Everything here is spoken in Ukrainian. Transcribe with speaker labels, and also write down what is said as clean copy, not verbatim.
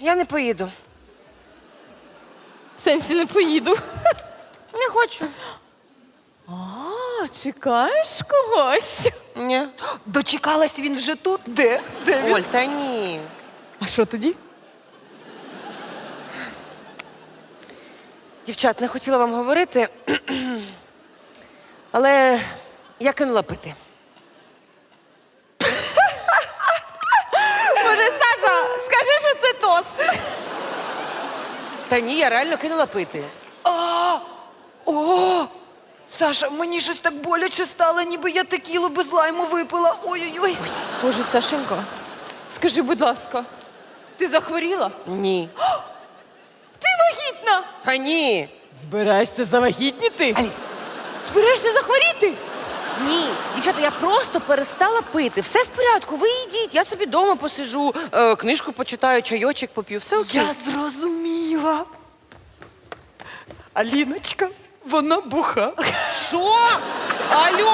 Speaker 1: Я не поїду.
Speaker 2: В сенсі не поїду.
Speaker 1: Не хочу.
Speaker 2: А, чекаєш когось?
Speaker 1: Ні.
Speaker 3: Дочекалась, він вже тут? Де? Де він?
Speaker 1: Оль, та ні.
Speaker 2: А що тоді?
Speaker 1: Дівчат, не хотіла вам говорити, але я кинула пити.
Speaker 2: Може, Саша, скажи, що це тост.
Speaker 1: Та ні, я реально кинула пити.
Speaker 3: О! Саша, мені щось так боляче стало, ніби я текілу без лайму випила. Ой-ой-ой.
Speaker 2: Боже, Сашенька, скажи, будь ласка, ти захворіла?
Speaker 1: Ні.
Speaker 2: Ти вагітна!
Speaker 1: Та ні.
Speaker 2: Збираєшся завагітніти? Збираєшся захворіти?
Speaker 1: Ні. Дівчата, я просто перестала пити. Все в порядку, ви йдіть, я собі вдома посижу, книжку почитаю, чайочок поп'ю, все окей.
Speaker 3: Я зрозуміла. Аліночка, вона буха.
Speaker 1: Що? Алло!